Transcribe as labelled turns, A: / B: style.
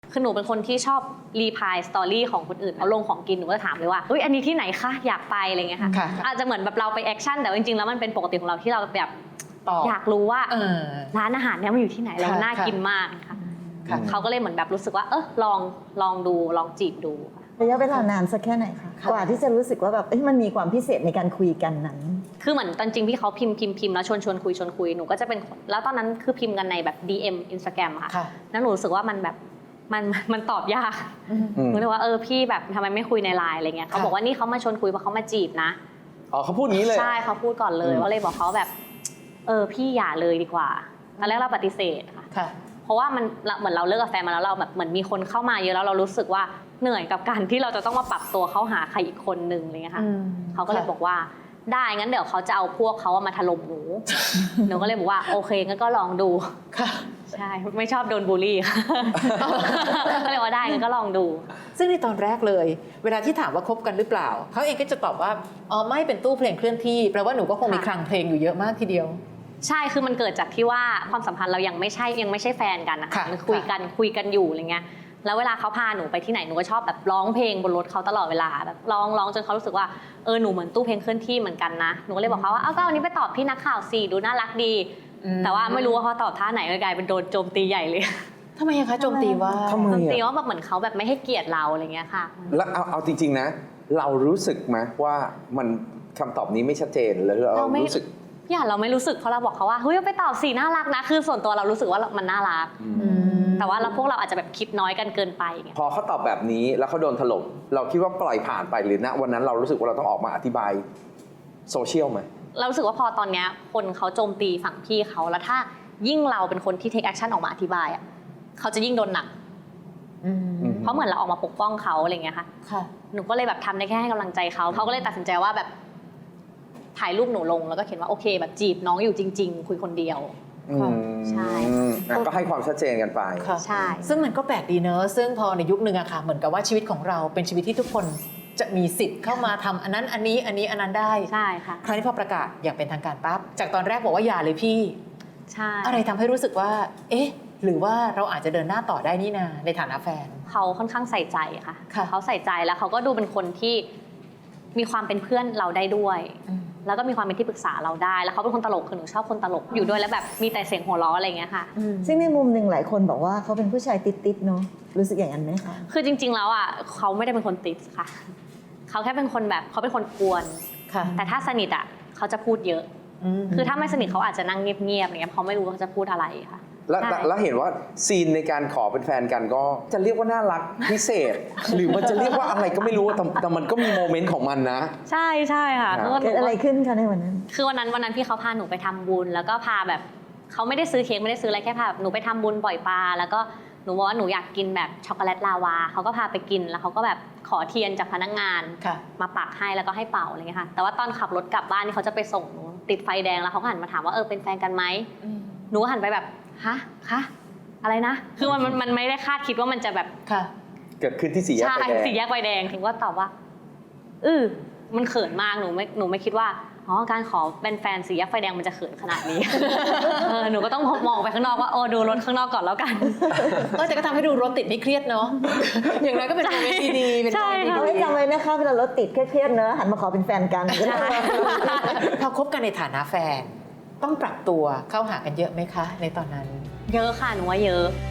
A: คือหนูเป็นคนที่ชอบรีพายสตอรี่ของคนอื่นเขาลงของกินหนูก็ถามเลยว่าเฮ้ยอันนี้ที่ไหนคะอยากไปอะไรเงี้ยค่ะอาจจะเหมือนแบบเราไปแอคชั่นแต่จริงๆแล้วมันเป็นปกติของเราที่เราแบบอยากรู้ว่าร้านอาหารเนี้ยมันอยู่ที่ไหนแล้วมันน่ากินมากค่ะเขาก็เลยเหมือนแบบรู้สึกว่าลองดูลองจีบดู
B: ระยะเวลานานสักแค่ไหนคะกว่าที่จะรู้สึกว่าแบบมันมีความพิเศษในการคุยกันนั้น
A: คือเหมือนตอนจริงพี่เขาพิมพ์แล้วชวนคุยหนูก็จะเป็นแล้วตอนนั้นคือพิมพ์กันในแบบ DM Instagram ค่ะแล้วหนูรู้สึกว่ามันแบบมันตอบยากหนูเลยว่าพี่แบบทำไมไม่คุยในไลน์อะไรเงี้ยเขาบอกว่านี่เขามาชวนคุยเพราะเขามาจีบนะ
C: อ๋อเขาพูดงี้เลย
A: ใช่เขาพูดก่อนเลยว่าเลยบอกเขาแบบพี่อย่าเลยดีกว่าตอนแรกเราปฏิเสธค่ะเพราะว่ามันเหมือนเราเลิกกับแฟนมาแล้วเราแบบเหมือนมีคนเข้ามาเยอะแล้วเรารู้สึกว่าเหนื่อยกับการที่เราจะต้องมาปรับตัวเข้าหาใครอีกคนนึงอะไรเงี้ยค่ะเขาก็เลยบอกว่าได้งั้นเดี๋ยวเขาจะเอาพวกเขามาถล่มหนูหนูก็เลยบอกว่าโอเคงั้นก็ลองดูใช่ไม่ชอบโดนบูลลี่ค่ะก็เลยว่าได้งั้นก็ลองดู
D: ซึ่งในตอนแรกเลยเวลาที่ถามว่าคบกันหรือเปล่าเขาเองก็จะตอบว่าอ๋อไม่เป็นตู้เพลงเคลื่อนที่แปลว่าหนูก็คงมีคลังเพลงอยู่เยอะมากทีเดียว
A: ใช่คือมันเกิดจากที่ว่าความสัมพันธ์เรายังไม่ใช่แฟนกันนะคะมันคุยกันอยู่อะไรเงี้ยแล้วเวลาเขาพาหนูไปที่ไหนหนูก็ชอบแบบร้องเพลงบนรถเขาตลอดเวลาแบบร้องจนเขารู้สึกว่าหนูเหมือนตู้เพลงเคลื่อนที่เหมือนกันนะหนูก็เลยบอกเขาว่าก็วันนี้ไปตอบพี่นักข่าวสิดูน่ารักดีแต่ว่าไม่รู้ว่าเขาตอบท่าไหนกลายเป็นโดนโจมตีใหญ่เลย
D: ทำไมคะโจมตีว่า
A: โจมตีว่าแบบเหมือนเขาแบบไม่ให้เกียรติเราอะไรเงี้ยค่ะ
C: แล้วเอาจริงๆนะเรารู้สึกไหมว่ามันคำตอบนี้ไม่ชัดเจนแล้วเรารู้สึก
A: เราไม่รู้สึกเพราะเราบอกเขาว่าเฮ้ยไปตอบสิน่ารักนะคือส่วนตัวเรารู้สึกว่ามันน่ารักแต่ว่าพวกเราอาจจะแบบคิดน้อยกันเกินไป
C: พอเขาตอบแบบนี้แล้วเขาโดนถล่มเราคิดว่าปล่อยผ่านไปหรือนะวันนั้นเรารู้สึกว่าเราต้องออกมาอธิบายโซเชียลไหม
A: เรารู้สึกว่าพอตอนนี้คนเขาโจมตีฝั่งพี่เขาแล้วถ้ายิ่งเราเป็นคนที่เทคแอคชั่นออกมาอธิบายเขาจะยิ่งโดนหนักเพราะเหมือนเราออกมาปกป้องเขาอะไรเงี้ยค่ะหนูก็เลยแบบทำได้แค่ให้กำลังใจเขาก็เลยตัดสินใจว่าแบบถ่ายรูปหนูลงแล้วก็เขียนว่าโอเคแบบจีบน้องอยู่จริงๆคุยคนเดียวใช่
C: ก็ให้ความชัดเจนกันไป
A: ใช่
D: ซึ่งมันก็แปลกดีเนอะซึ่งพอในยุคนึงอะค่ะเหมือนกับว่าชีวิตของเราเป็นชีวิตที่ทุกคนจะมีสิทธิ์เข้ามาทำอันนั้นอันนี้อันนั้นได้
A: ใช่ค่ะ
D: คราวนี้พอประกาศอย่างเป็นทางการปั๊บจากตอนแรกบอกว่าอย่าเลยพี่
A: ใช่
D: อะไรทำให้รู้สึกว่าหรือว่าเราอาจจะเดินหน้าต่อได้นี่นาในฐานะแฟน
A: เขาค่อนข้างใส่ใจค่ะเขาใส่ใจแล้วเขาก็ดูเป็นคนที่มีความเป็นเพื่อนเราได้ด้วยแล้วก็มีความเป็นที่ปรึกษาเราได้แล้วเขาเป็นคนตลกคือหนูชอบคนตลกอยู่ด้วยแล้วแบบมีแต่เสียงหัวเราะอะไรอย่างเงี้ยค่ะ
B: ซึ่งในมุมหนึ่งหลายคนบอกว่าเขาเป็นผู้ชายติดๆเนาะรู้สึกอย่างนั้นไหมคะ
A: คือจริงๆแล้วเขาไม่ได้เป็นคนติดค่ะเขาแค่เป็นคนแบบเขาเป็นคนกวนแต่ถ้าสนิทเขาจะพูดเยอะคือถ้าไม่สนิทเขาอาจจะนั่งเงียบๆอย่างเงี้ยเขาไม่รู้ว่าเขาจะพูดอะไรค่ะ
C: แล้วเห็นว่าซีนในการขอเป็นแฟนกันก็จะเรียกว่าน่ารักพิเศษหรือมันจะเรียกว่าอะไรก็ไม่รู้แต่มันก็มีโมเมนต์ของมันนะ
A: ใช่ค่ะ
B: เกิดอะไรขึ้นคะในวันนั้น
A: คือวันนั้นพี่เขาพาหนูไปทำบุญแล้วก็พาแบบเขาไม่ได้ซื้อเค้กไม่ได้ซื้ออะไรแค่พาหนูไปทำบุญปล่อยปลาแล้วก็หนูบอกว่าหนูอยากกินแบบช็อกโกแลตลาวาเขาก็พาไปกินแล้วเขาก็แบบขอเทียนจากพนักงานมาปักให้แล้วก็ให้เป่าอะไรเงี้ยค่ะแต่ว่าตอนขับรถกลับบ้านนี่เขาจะไปส่งหนูติดไฟแดงแล้วเขาหันมาถามว่าเป็นแฟนกันไหมหนูหันไปแบบคะอะไรนะคือมันไม่ได้คาดคิดว่ามันจะแบบ
C: เกิดขึ้นที่สี่แยกไฟแดง
A: ใช่สี่แยกไฟแดงถึงว่าตอบว่ามันเขินมากหนูไม่คิดว่าการขอเป็นแฟนสี่แยกไฟแดงมันจะเขินขนาดนี้หนูก็ต้องมองไปข้างนอกว่าดูรถข้างนอกก่อนแล้วกัน
D: แต่ก็ทำให้ดูรถติดไม่เครียดเนาะอย่างน้อยก็เป็นโมเมนต์ดีๆเป็นโมเมนต์
B: ดีๆจำไว้นะคะเวลารถติดเครียดๆเนอะหันมาขอเป็นแฟนกัน
D: พอคบกันในฐานะแฟนต้องปรับตัวเข้าหากันเยอะไหมคะในตอนนั้น
A: เยอะค่ะหนูว่าเยอะ